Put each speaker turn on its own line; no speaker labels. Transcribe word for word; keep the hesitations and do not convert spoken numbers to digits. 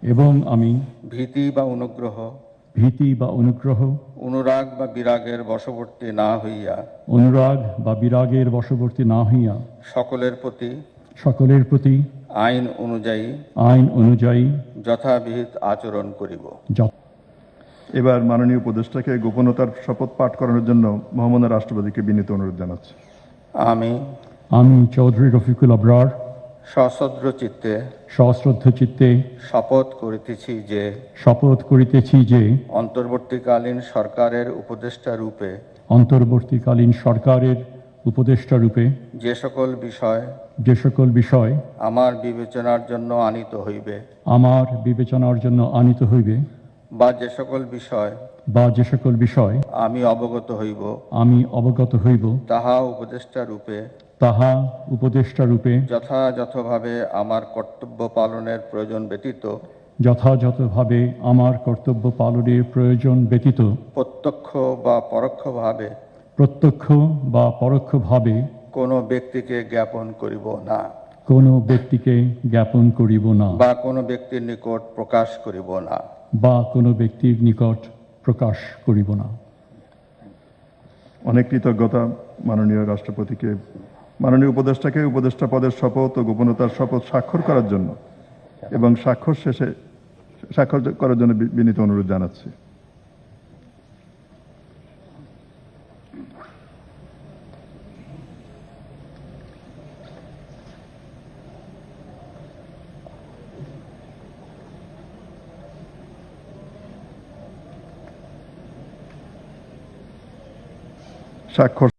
এবং আমি
ভীতি বা অনুগ্রহ
ভীতি বা অনুগ্রহ
অনুরাগ বা বিরাগের বশবর্তী না হইয়া
অনুরাগ বা বিরাগের বশবর্তী না হইয়া
সকলের প্রতি
সকলের প্রতি
আইন অনুযায়ী
আইন অনুযায়ী
যথাবিহিত আচরণ করিব।
যথা
এবার মাননীয় উপদেষ্টাকে গোপনতার শপথ পাঠ করানোর জন্য মহামান্য রাষ্ট্রপতিকে বিনীত অনুরোধ জানাচ্ছি।
আমি
আমি চৌধুরী রফিকুল আবরার
সশ্রদ্ধ চিত্তে
সশ্রদ্ধ চিত্তে
শপথ করিতেছি যে
শপথ করিতেছি যে
অন্তর্বর্তীকালীন সরকারের উপদেষ্টা রূপে
অন্তর্বর্তীকালীন সরকারের উপদেষ্টা রূপে
যে সকল বিষয়
যে সকল বিষয়
আমার বিবেচনার জন্য আনিত হইবে
আমার বিবেচনার জন্য আনিত হইবে
বা যে সকল বিষয়
বা যে সকল বিষয়
আমি অবগত হইব
আমি অবগত হইব
তাহা উপদেষ্টা রূপে
তাহা উপদেষ্টা রূপে
যথাযথভাবে আমার কর্তব্য পালনের প্রয়োজন ব্যতীত
যথাযথভাবে আমার কর্তব্য পালনের প্রয়োজন ব্যতীত
প্রত্যক্ষ বা পরোক্ষভাবে
প্রত্যক্ষ বা পরোক্ষভাবে
কোনো ব্যক্তিকে জ্ঞাপন করিব না
কোনো ব্যক্তিকে জ্ঞাপন করিব না
বা কোনো ব্যক্তির নিকট প্রকাশ করিব না
বা কোনো ব্যক্তির নিকট প্রকাশ করিব না।
অনেক কৃতজ্ঞতা মাননীয় রাষ্ট্রপতিকে মাননীয় উপদেষ্টাকে উপদেষ্টা পদের শপথ ও গোপনতার শপথ স্বাক্ষর করার জন্য এবং স্বাক্ষর শেষে স্বাক্ষর করার জন্য বি- বিনীত অনুরোধ জানাচ্ছি। স্বাক্ষর